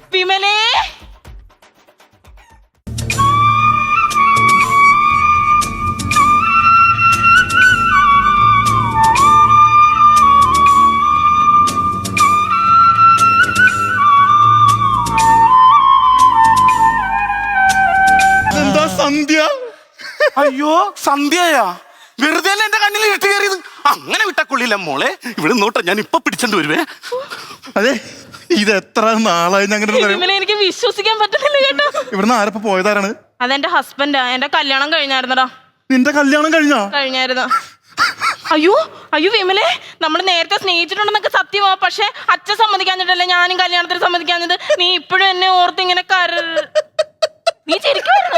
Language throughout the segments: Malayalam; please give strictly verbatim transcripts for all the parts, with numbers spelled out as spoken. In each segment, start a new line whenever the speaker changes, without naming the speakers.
വിമലേ
എന്താ സന്ധ്യ?
അയ്യോ സന്ധ്യയാ? വെറുതെ എന്റെ കണ്ണിൽ ഇട്ട് കയറിയത്. അങ്ങനെ വിട്ടക്കൊള്ളില്ല മോളെ, ഇവിടെ നോട്ടെ, ഞാൻ ഇപ്പൊ പിടിച്ചോണ്ട് വരുവേ.
അതെ, ഇത് എത്ര നാളായി ഞങ്ങനെ
വിമലേ, എനിക്ക് വിശ്വസിക്കാൻ പറ്റുന്നില്ല കേട്ടോ.
ഇവിടുന്ന് ആരപ്പോ പോയതാരാണ്?
അതെന്റെ ഹസ്ബൻഡാ. എന്റെ കല്യാണം കഴിഞ്ഞായിരുന്നടാ.
നിന്റെ കല്യാണം കഴിഞ്ഞോ?
കഴിഞ്ഞായിരുന്നു. അയ്യോ അയ്യോ വിമലേ, നമ്മൾ നേരത്തെ സ്നേഹിച്ചിട്ടുണ്ടെന്നൊക്കെ സത്യമാ. പക്ഷെ അച്ഛൻ സമ്മതിക്കാഞ്ഞിട്ടല്ലേ ഞാനും കല്യാണത്തിന് സമ്മതിക്കാഞ്ഞത്. നീ ഇപ്പോഴും എന്നെ ഓർത്ത് ഇങ്ങനെ കര നീ ചിരിക്കുവായിരുന്നു.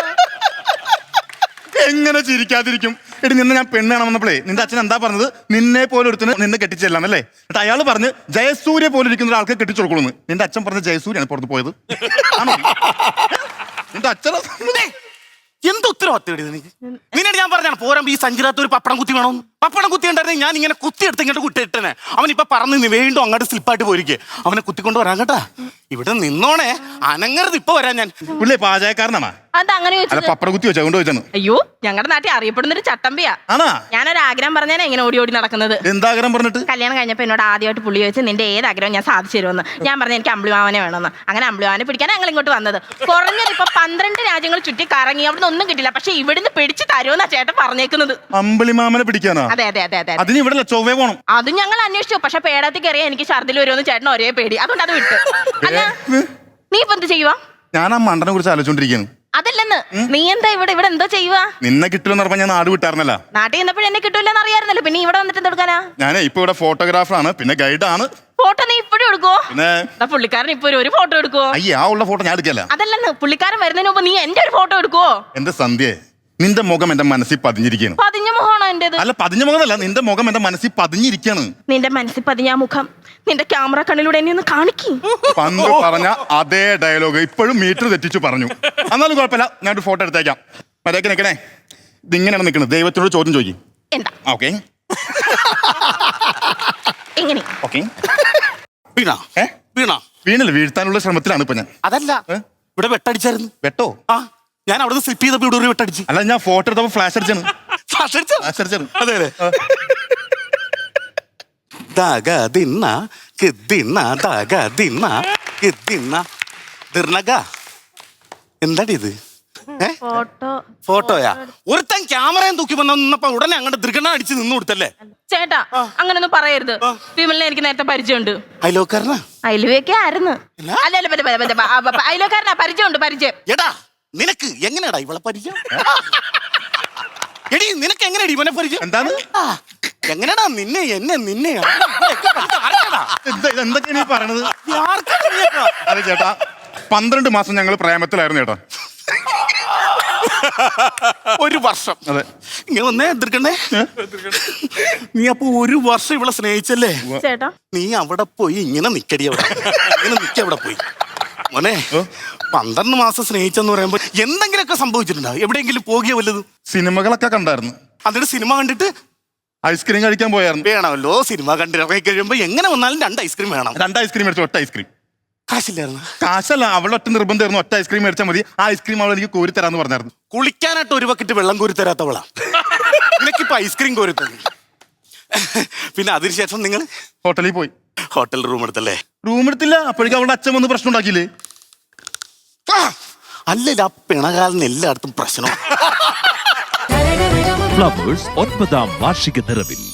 എങ്ങനെ ചിരിക്കാതിരിക്കും? എടി, നിന്നെ ഞാൻ പെണ്ണാണ് വന്നപ്പോഴേ നിന്റെ അച്ഛൻ എന്താ പറഞ്ഞത്? നിന്നെ പോലെ ഒരുത്തിന് നിന്നെ കെട്ടിച്ചെല്ലാന്നല്ലേ? എന്നിട്ട് അയാൾ പറഞ്ഞ് ജയസൂര്യ പോലെ ഇരിക്കുന്ന ഒരാൾക്ക് കെട്ടിച്ചു കൊടുക്കണമെന്ന്. നിന്റെ അച്ഛൻ പറഞ്ഞ ജയസൂര്യാണ് പുറത്ത് പോയത്. ആണോ? നിന്റെ അച്ഛൻ
എന്ത് ഉത്തരവാദിത്തം നിനക്ക്? നിന്നോട് ഞാൻ പറഞ്ഞാണ് പോരാ ഈ സഞ്ചിരത്ത് ഒരു പപ്പടം കുത്തി വേണം. പപ്പടം കുത്തി ഉണ്ടായിരുന്നെങ്കിൽ ഞാൻ ഇങ്ങനെ കുത്തി എടുത്ത് ഇങ്ങോട്ട് കുട്ടിയിട്ടനെ. അവൻ ഇപ്പൊ പറഞ്ഞു നീ വീണ്ടും അങ്ങോട്ട് സ്ലിപ്പായിട്ട് പോയിരിക്കേ. അവനെ കുത്തിക്കൊണ്ട് വരാൻ കേട്ടാ. ഇവിടെ നിന്നോണേ, അനങ്ങരുത്. ഇപ്പൊ വരാൻ ഞാൻ.
പുള്ളി പാചകക്കാരനാണ്.
അതങ്ങനെ
അല്ല, പപ്പട കുത്തി വെച്ചാ കൊണ്ട് വെച്ചാണ്.
അയ്യോ, ഞങ്ങളുടെ നാട്ടിൽ അറിയപ്പെടുന്ന ഒരു ചട്ടമ്പിയാ.
ആണാ?
ഞാനൊരു ആഗ്രഹം പറഞ്ഞാൽ ഇങ്ങനെ ഓടി ഓടി നടക്കുന്നത്.
എന്താഗ്രഹം പറഞ്ഞിട്ട്?
കല്യാണം കഴിഞ്ഞപ്പോ എന്നോട് ആദ്യമായിട്ട് പുള്ളി ചോദിച്ചു നിന്റെ ഏത് ആഗ്രഹം ഞാൻ സാധിച്ചു തരുമെന്ന്. ഞാൻ പറഞ്ഞു എനിക്ക് അമ്പിളിമാവനെ വേണമെന്ന്. അങ്ങനെ അമ്പിളിമാവനെ പിടിക്കാൻ ഞങ്ങൾ ഇങ്ങോട്ട് വന്നത്. കുറഞ്ഞത് ഇപ്പൊ പന്ത്രണ്ട് രാജ്യങ്ങൾ ചുറ്റി കറങ്ങി, അവിടുന്ന് ഒന്നും കിട്ടില്ല. പക്ഷെ ഇവിടുന്ന് പിടിച്ച് തരുമെന്നാ ചേട്ടൻ പറഞ്ഞേക്കുന്നത്.
അമ്പിളിമാമനെ പിടിക്കാനോ?
അതെ അതെ അതെ അതെ.
അതിന് ഇവിടെ ചൊവ്വേ പോണം.
അത് ഞങ്ങൾ അന്വേഷിച്ചു. പക്ഷെ പേടത്തിൽ കയറിയാൽ എനിക്ക് ഛർദിൽ വരുമെന്ന് ചേട്ടൻ ഒരേ പേടി. അതുകൊണ്ട് അത് വിട്ടു. അല്ല, നീ ഇപ്പൊ എന്ത് ചെയ്യുവാ?
ഞാൻ ആ മണ്ടനെ കുറിച്ച് ആലോചിച്ചോണ്ടിരിക്കുന്നു.
അതല്ലെന്ന്, നീ എന്താ ഇവിടെ ഇവിടെ എന്തോ ചെയ്യുവാ?
നിന്നെ കിട്ടുമെന്ന് പറഞ്ഞാൽ ഞാൻ നാട് വിട്ടായിരുന്നല്ല.
നാട്ടിൽ നിന്നപ്പോഴും എന്നെ കിട്ടൂലെന്ന് അറിയാറുന്നല്ലോ. പിന്നെ ഇവിടെ വന്നിട്ട് എന്തെടുക്കാനാ?
ഞാൻ ഇപ്പൊ ഇവിടെ ഫോട്ടോഗ്രാഫറാണ്, പിന്നെ ഗൈഡാണ്.
ഫോട്ടോ നീ ഇപ്പോഴും എടുക്കുവോ?
പിന്നെ
പുള്ളിക്കാരൻ ഇപ്പൊ ഒരു ഫോട്ടോ എടുക്കുവോ?
അയ്യ, ആ ഉള്ള ഫോട്ടോ ഞാൻ എടുക്കല്ല.
അതല്ലെന്ന്, പുള്ളിക്കാരൻ വരുന്നതിന് മുമ്പ് നീ എന്റെ ഒരു ഫോട്ടോ എടുക്കുവോ?
എന്റെ സന്ധ്യ, നിന്റെ മുഖം എന്റെ മനസ്സിൽ പതിഞ്ഞിരിക്കുകയാണ്.
പതിഞ്ഞ മുഖമാണോ എന്റേത്?
അല്ല, പതിഞ്ഞ മുഖമല്ല, നിന്റെ മുഖം എന്റെ മനസ്സിൽ പതിഞ്ഞിരിക്കുകയാണ്.
നിന്റെ മനസ്സിൽ പതിഞ്ഞ ആ മുഖം നിന്റെ ക്യാമറ കണ്ണിലൂടെ എന്നെ ഒന്ന് കാണിക്കും.
പണ്ട് പറഞ്ഞ അതേ ഡയലോഗ് ഇപ്പോഴും മീറ്റർ തെറ്റിച്ചു പറഞ്ഞു. എന്നാലും കുഴപ്പമില്ല, ഞാനൊരു ഫോട്ടോ എടുത്തേക്കാം. മര്യാദക്ക് നിൽക്കണേ. ഇതിങ്ങനെയാണ് നിൽക്കുന്നത്. ദൈവത്തിനോട് ചോദ്യം ചോദിക്കും.
എന്താ?
ഓക്കെ
എങ്ങനെ?
ഓക്കെ.
വീണാ?
ഏ
വീണാ?
വീണല്ല, വീഴ്ത്താനുള്ള ശ്രമത്തിലാണ് ഇപ്പൊ ഞാൻ.
അതല്ല, ഇവിടെ വെട്ടടിച്ചായിരുന്നു.
വെട്ടോ?
ആ, ഞാൻ അവിടെ നിന്ന് സ്ലിപ്പ് ചെയ്തപ്പോ ഇവിടെ ഒരു വെട്ടടിച്ച്.
അല്ല, ഞാൻ ഫോട്ടോ എടുത്തപ്പോ ഫ്ലാഷ് അടിച്ചാണ്.
ഫ്ലാഷ് അടിച്ചോ?
ഫ്ലാഷ് അടിച്ചാണ്.
അതെ അതെ. ദാഗ ദിന്ന കിദ്ദിന്ന ദാഗ ദിന്ന കിദ്ദിന്ന ദിർണഗ. എന്താടി ഇത്?
ഫോട്ടോ
ഫോട്ടോയാ? ഒരുത്തൻ ക്യാമറയും തൂക്കി വന്നപ്പോ ഉടനെ അങ്ങോട്ട് ദൃഗണ അടിച്ച് നിന്ന് കൊടുത്തല്ലേ?
ചേട്ടാ, അങ്ങനൊന്നും പറയരുത്. വിമലിനെ എനിക്ക് നേരത്തെ പരിചയമുണ്ട്.
അയലോക്കാരനാ?
അയലുവയൊക്കെ ആയിരുന്നു. അല്ല അല്ല, അയലോക്കാരനാ. പരിചയമുണ്ട്, പരിചയം.
എടാ, നിനക്ക് എങ്ങനെയാടാ ഇവളെ പരിചയം? എടി, നിനക്ക് എങ്ങനെയാടി ഇവനെ പരിചയം?
എന്താണ്?
എങ്ങനെയാടാ നിന്നെ എന്നെ നിന്നെ
എന്തൊക്കെയാണ് ഈ പറയണത്? അതെ ചേട്ടാ, പന്ത്രണ്ട് മാസം ഞങ്ങൾ പ്രേമത്തിലായിരുന്നു ചേട്ടാ.
ഒരു വർഷം.
അതെ.
ഇങ്ങനെ വന്നേ എതിർക്കണ്ടേ? നീ അപ്പൊ ഒരു വർഷം ഇവളെ സ്നേഹിച്ചല്ലേ?
ചേട്ടാ,
നീ അവിടെ പോയി ഇങ്ങനെ നിക്കടി. അവിടെ ഇങ്ങനെ നിക്ക. അവിടെ പോയി മോനെ, പന്ത്രണ്ട് മാസം സ്നേഹിച്ചെന്ന് പറയുമ്പോ എന്തെങ്കിലുമൊക്കെ സംഭവിച്ചിട്ടുണ്ടോ? എവിടെയെങ്കിലും പോകിയ വല്ലതും?
സിനിമകളൊക്കെ കണ്ടായിരുന്നു.
എന്നിട്ട് സിനിമ കണ്ടിട്ട്
ഐസ്ക്രീം കഴിക്കാൻ പോയായിരുന്നു.
വേണമല്ലോ, സിനിമ കണ്ടിറങ്ങി കഴിയുമ്പോ എങ്ങനെ വന്നാലും രണ്ട് ഐസ്ക്രീം വേണം.
രണ്ട് ഐസ്ക്രീം മേടിച്ചു. ഒറ്റ ഐസ്ക്രീം.
കാശില്ലായിരുന്നു?
കാശല്ല, അവളെ ഒറ്റ നിർബന്ധമായിരുന്നു. ഒറ്റ ഐസ്ക്രീം മേടിച്ചാൽ മതി. ആ ഐസ്ക്രീം അവൾ എനിക്ക് കോരി തരാന്ന് പറഞ്ഞായിരുന്നു.
കുളിക്കാനായിട്ട് ഒരു ബക്കറ്റ് വെള്ളം കോരി തരാത്തവളാ നിനക്കിപ്പോ ഐസ്ക്രീം കോരി തന്നു. പിന്നെ അതിനുശേഷം നിങ്ങൾ
ഹോട്ടലിൽ പോയി.
Hotel room എടുത്തല്ലേ?
റൂം എടുത്തില്ല. അപ്പോഴേക്കും അവളുടെ അച്ഛൻ വന്ന് പ്രശ്നം ഉണ്ടാക്കിയില്ലേ?
അല്ലല്ല, ആ പിണകാലിന് എല്ലായിടത്തും പ്രശ്നം.
ഫ്ലവേഴ്സ് ഒൻപതാം വാർഷിക നിറവിൽ